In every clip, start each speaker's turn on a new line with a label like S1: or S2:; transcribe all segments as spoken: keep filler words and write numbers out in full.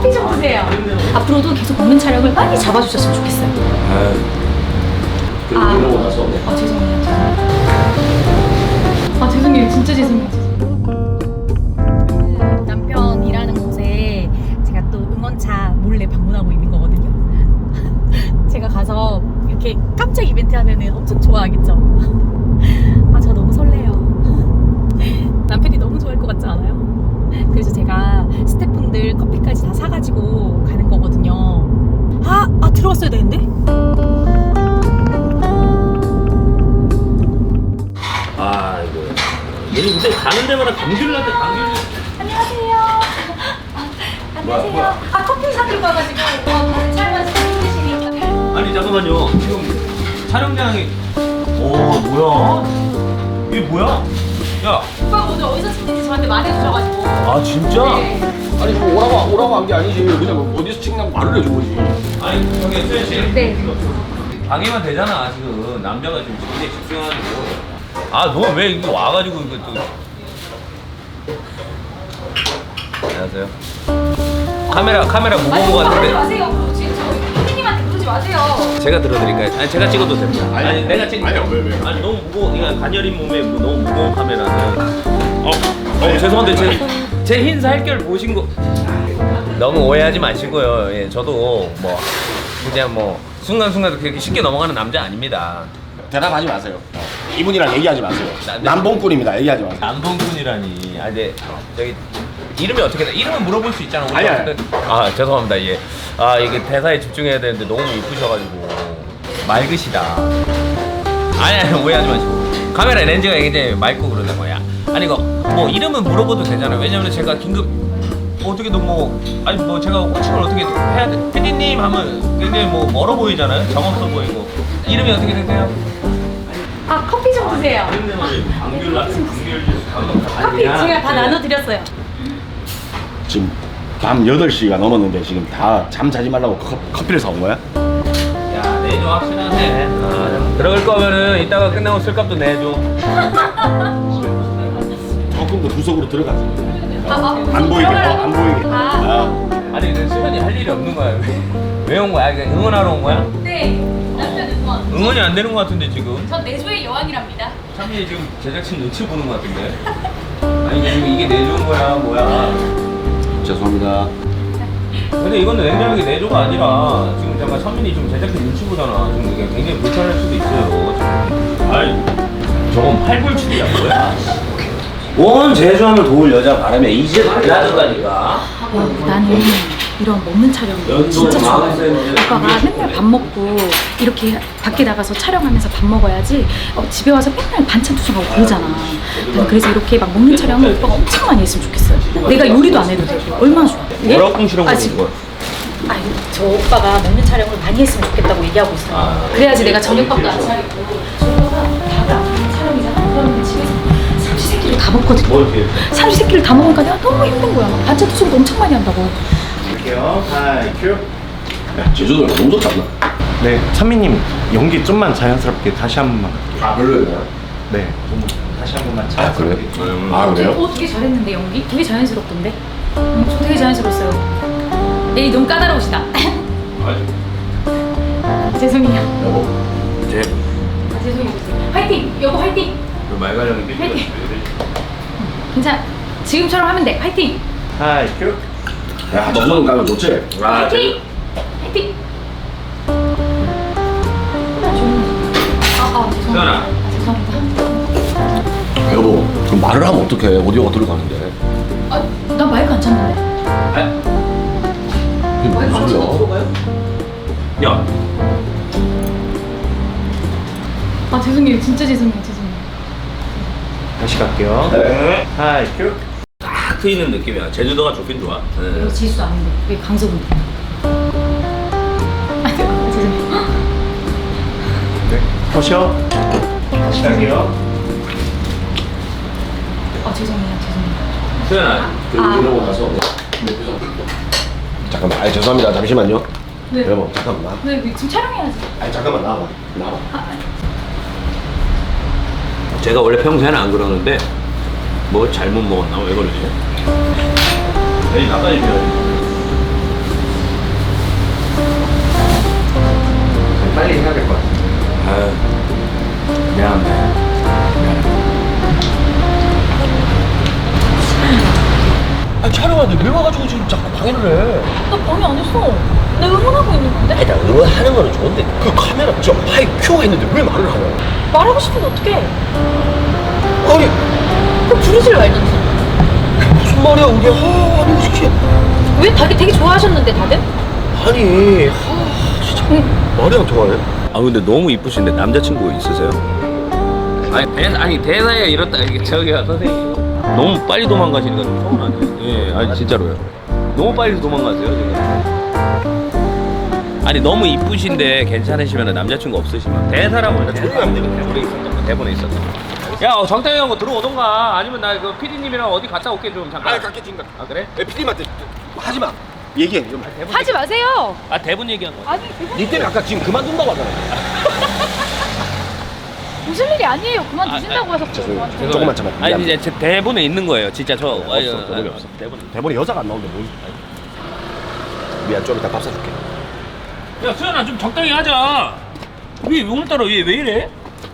S1: 커피 좀 드세요. 앞으로도 계속 먹는 촬영을 많이 잡아주셨으면 좋겠어요.
S2: 그리고
S1: 아.
S2: 이러고 나서
S1: 아 죄송해요. 죄송해요. 아 죄송해요. 진짜 죄송해요. 그 남편 일하는 곳에 제가 또 응원차 몰래 방문하고 있는 거거든요. 제가 가서 이렇게 깜짝 이벤트 하면은 엄청 좋아하겠죠. 아 저 너무 설레요. 남편이 너무 좋아할 것 같지 않아요? 그래서 제가 스태프분들 커피까지 다 사가지고 가는 거거든요. 아, 아 들어왔어야 되는데?
S3: 아이고. 얘는 근데 가는 데마다 감귤 나한테 감귤.
S1: 안녕하세요. 아, 안녕하세요.
S3: 뭐야?
S1: 아 커피 사들고 와가지고 어, 촬영하시 힘드시니까.
S3: 아니 잠깐만요. 지금 촬영장이. 오 뭐야? 이게 뭐야? 야.
S1: 오빠 오늘 어디서 찍는지 저한테 말해주셔가지고.
S3: 아 진짜?
S1: 네.
S2: 아니 뭐 오라고 오라고 한 게 아니지. 그냥 뭐 어디서 찍냐고 말을 해준 거지.
S3: 아니 저기 수현 씨.
S1: 네.
S3: 방해만 되잖아 지금 남자가 지금 굉장히 집중하는 거. 아 너 왜 이거 와가지고 이거 또. 안녕하세요. 카메라 카메라 무거운
S1: 아니
S3: 거
S1: 오빠 하지
S3: 같은데.
S1: 마세요. 지금 저 피디님한테 그러지 마세요.
S3: 제가 들어드릴까요? 아니 제가 찍어도 됩니다. 아니,
S2: 아니,
S3: 내가 찍.
S2: 아니야, 왜, 왜?
S3: 아니 너무 무거워. 이거 가녀린 몸에 뭐 너무 무거운 카메라는. 어, 어 죄송한데 제 제 흰 살결 보신 거. 너무 오해하지 마시고요. 예, 저도 뭐 그냥 뭐 순간순간 그렇게 쉽게 넘어가는 남자 아닙니다.
S2: 대답하지 마세요. 이분이랑 얘기하지 마세요.
S3: 나-
S2: 남봉꾼입니다. 얘기하지 마세요.
S3: 남동군이라니. 아, 네. 저기 이름이 어떻게 돼? 이름은 물어볼 수 있잖아. 우리가
S2: 아니, 아니.
S3: 어쨌든- 아, 죄송합니다. 예. 아, 이게 대사에 집중해야 되는데 너무 이쁘셔가지고 맑으시다. 아니, 아니 오해하지 마시고. 카메라 렌즈가 굉장히 맑고 그러는 거야. 아니 이거 뭐 이름은 물어봐도 되잖아요. 왜냐면 제가 긴급 어떻게 너무 아니 뭐 제가 호칭을 어떻게 해야 돼? 피디님 하면 굉장히 뭐 멀어 보이잖아요. 정 없어 보이고. 이름이 어떻게 되세요?
S1: 아 커피 좀 드세요.
S3: 감귤 감귤
S1: 커피 제가 다 나눠드렸어요.
S2: 지금 밤 여덟 시가 넘었는데 지금 다 잠 자지 말라고 커, 커피를 사온 거야?
S3: 야, 내줘 확실하네. 아, 들어갈 거면은 이따가 끝나고 술값도 내줘.
S2: 조금 더 구석으로 들어가지.
S1: 아, 아,
S2: 안 보이게, 어, 안 보이게.
S1: 아.
S2: 아.
S3: 아니, 근데 수현이 할 일이 없는 거야. 왜 온 거야? 그냥 응원하러 온 거야?
S1: 네. 남편 응원.
S3: 응원이 안 되는 거 같은데 지금.
S1: 전 내조의 여왕이랍니다.
S3: 참이 지금 제작진 눈치 보는 거 같은데. 아니 지금 이게 내주는 거야 뭐야?
S2: 죄송합니다.
S3: 근데 이거는 냉정하게 내조가 아니라 지금 잠깐 선민이 좀 제작진 눈치 보잖아. 지금 이게 굉장히 불편할 수도 있어요. 지금. 아이, 저건 팔불출이야 뭐야? 원 제주함을 도울 여자 바람에 이제 달라졌다니까.
S1: 나는 이런 먹는 촬영 진짜 좋아해. 오빠가 맨날 밥 먹고 이렇게 밖에 나가서 촬영하면서 밥 먹어야지 어, 집에 와서 맨날 반찬 투정하고 그러잖아. 나는 그래서 이렇게 막 먹는 촬영을 오빠가 엄청 많이 했으면 좋겠어요. 내가 요리도 안 해도 되고 얼마나 좋아. 예?
S3: 뭐라고 꿍시렁
S1: 아,
S3: 거리는
S1: 지금-
S3: 거야?
S1: 아유, 저 오빠가 먹는 촬영을 많이 했으면 좋겠다고 얘기하고 있어요.
S3: 아,
S1: 그래야지 내가 저녁밥도 안 차리고. 저 오빠가 다가 촬영이잖아. 그러면 집에서 삼시세끼를 다 먹거든.
S3: 뭘 이렇게?
S1: 삼시세끼를 다 먹으니까 내가 너무 힘든 거야. 반찬 투정도 엄청 많이 한다고.
S4: 할게요. 하이 큐.
S2: 야, 제주도가 너무 좋다.
S4: 네, 찬미님 연기 좀만 자연스럽게 다시 한 번만.
S2: 아, 별로였나요?
S4: 네, 좀 다시 한 번만
S2: 아,
S4: 자연스럽게.
S2: 그래요? 아, 그래요?
S1: 어, 되게 잘했는데 연기? 되게 자연스럽던데? 음, 저 되게 자연스러웠어요. 에이 너무 까다로우시다. 죄송해요.
S2: 여보.
S3: 제
S1: 아, 죄송해요. 화이팅! 여보 화이팅!
S3: 그 말가량이 삐삐.
S1: 화이팅! 괜찮아. 지금처럼 하면 돼. 화이팅!
S4: 하이 큐.
S2: 야, 저쪽은 가면 좋지?
S3: 아,
S1: 화이팅! 화이팅! 아, 아, 죄송합니다.
S3: 수연아.
S1: 아, 죄송합니다.
S2: 여보, 그럼 말을 하면 어떡해? 오디오가 들어가는데.
S1: 아, 난 마이크 안 찾는데?
S2: 이게 무슨 소리야?
S3: 야,
S1: 아, 죄송해요. 진짜 죄송해요. 죄송해요.
S4: 다시 갈게요.
S2: 네.
S4: 하이 큐.
S3: 딱 트이는 느낌이야. 제주도가 좋긴 좋아. 네.
S1: 이거 지수 아닌데. 왜 강석인데? 아, 죄송해요.
S4: 네, 컷이요. 다시 갈게요.
S1: 아, 죄송해요. 죄송해요.
S3: 수연아,
S2: 그리고
S1: 아.
S2: 이러고 나서. 잠깐만, 아 죄송합니다. 잠시만요.
S1: 네.
S2: 여보, 잠깐만.
S1: 왜, 왜 지금 촬영해야지.
S2: 아니, 잠깐만, 나와봐. 나와봐.
S1: 아, 아니.
S3: 제가 원래 평소에는 안 그러는데 뭐 잘못 먹었나 왜 그러지? 에이 나까지 비워. 좀 빨리 해야 될 것 같아. 아유, 미안합니다. 미안합니다.
S5: 아 촬영하는데 왜 와가지고 지금 자꾸 방해를 해?
S1: 나 방해 안 했어. 나 응원하고 있는 건데?
S5: 아니 나 응원하는 거는 좋은데 그 카메라 저 하이 큐 했는데 왜 말을 하냐?
S1: 말하고 싶은데 어떡해.
S5: 아니
S1: 그럼 부르질 말든지.
S5: 무슨 말이야 우리 아 아니 시키
S1: 왜 되게, 되게 좋아하셨는데 다들?
S5: 아니 아 진짜 말이 안 통하네.
S3: 아 근데 너무 이쁘신데 남자친구 있으세요? 아니 대 아니 대사에 이렇다 이게 저기가 선생님 너무 빨리 도망가시니까 좀 서운하네요. 예, 아니 진짜로요. 너무 빨리 도망가세요 지금. 아니 너무 이쁘신데 괜찮으시면 남자친구 없으시면 대사라고 그냥 조용히 하면 되거든. 대본에 있었던 거 대본에 있었던 거. 야 어, 정태형 형 들어오던가 아니면 나 그 피디님이랑 어디 갔다 올게 좀 잠깐.
S5: 아 갈게 지금
S3: 아 그래?
S5: 피디님한테 하지 마. 얘기해 좀.
S3: 대본
S1: 하지 마세요.
S3: 아 대본 얘기한 거.
S1: 아니 대본
S5: 니 때문에 아까 지금 그만둔다고 하잖아.
S1: 무슨 일이 아니에요. 그만두신다고 해서
S5: 죄송해요. 조금만 참아.
S3: 아니 이제 제 대본에 있는 거예요. 진짜 저
S5: 없어, 대본이 없어.
S3: 대본에.
S5: 대본에 여자가 안 나오는데 뭘? 미안 좀 이따 밥 사줄게.
S3: 야 수연아 좀 적당히 하자. 왜 오늘따라 왜, 왜 이래?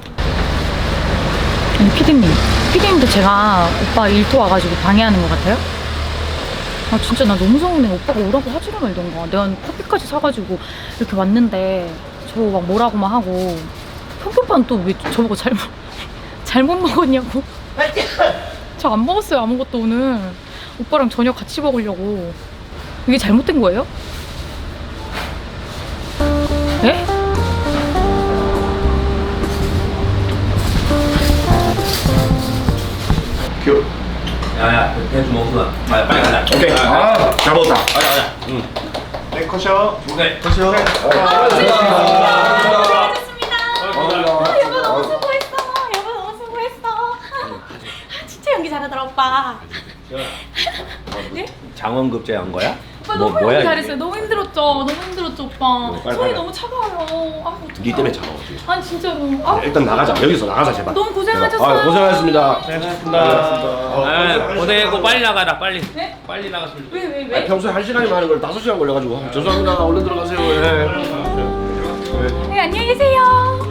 S1: 아니 피디님 피디님도 제가 오빠 일터 와가지고 방해하는 것 같아요? 아 진짜 나 너무 서운해. 오빠가 오라고 하지를 말던가. 내가 커피까지 사가지고 이렇게 왔는데 저 막 뭐라고만 하고 현기 오빠는 또 왜 저보고 잘못 잘못 먹었냐고. 저 안 먹었어요 아무것도 오늘. 오빠랑 저녁 같이 먹으려고. 이게 잘못된 거예요? 네?
S5: 큐.
S3: 야야 대주 먹구나. 빨리 빨리 가자.
S5: 오케이. 아, 잘 먹었다.
S3: 가자 가자. 응.
S5: 네, 컷이요.
S3: 오케이.
S5: 컷이요.
S1: 아, 여보 너무 수고했어. 여보 너무 수고했어. 아, 진짜 연기 잘하더라 오빠. 네?
S3: 장원급제 한 거야?
S1: 오빠 너무 연기 잘했어요. 너무 힘들었죠. 너무 힘들었죠 오빠.
S5: 빨리,
S1: 손이
S5: 빨리.
S1: 너무 차가워요. 아, 어떡해.
S5: 니 때문에 차가워지.
S1: 아니 진짜로. 아,
S5: 일단 나가자. 여기서 나가자 제발.
S1: 너무 고생하셨어요.
S5: 아, 고생하셨습니다.
S3: 고생하셨습니다. 아, 고생했고 빨리 나가라 빨리.
S1: 네?
S3: 빨리 나갔으면 좋겠어.
S1: 왜 왜 왜?
S5: 아니, 평소에 한 시간이면 하는 걸 다섯 시간 걸려가지고 아, 죄송합니다. 얼른 들어가세요. 예.
S1: 네 안녕히 계세요.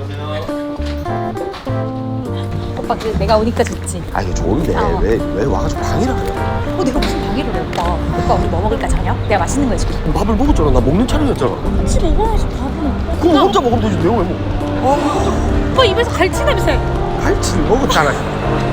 S1: 오빠 그 내가 오니까 좋지.
S5: 아 이게 좋은데
S1: 어.
S5: 왜 왜 와가지고 방해를 하냐?
S1: 어 내가 무슨 방해를 해 오빠. 오빠 우리 뭐 먹을까 저녁? 내가 맛있는 거 해줄게.
S5: 밥을 먹었잖아. 나 먹는 차례였잖아.
S1: 같이 먹어야지 밥은.
S5: 그럼 혼자 먹으면 되지. 내가 왜 먹어?
S1: 오빠 입에서 갈치 냄새.
S5: 갈치를 먹었잖아.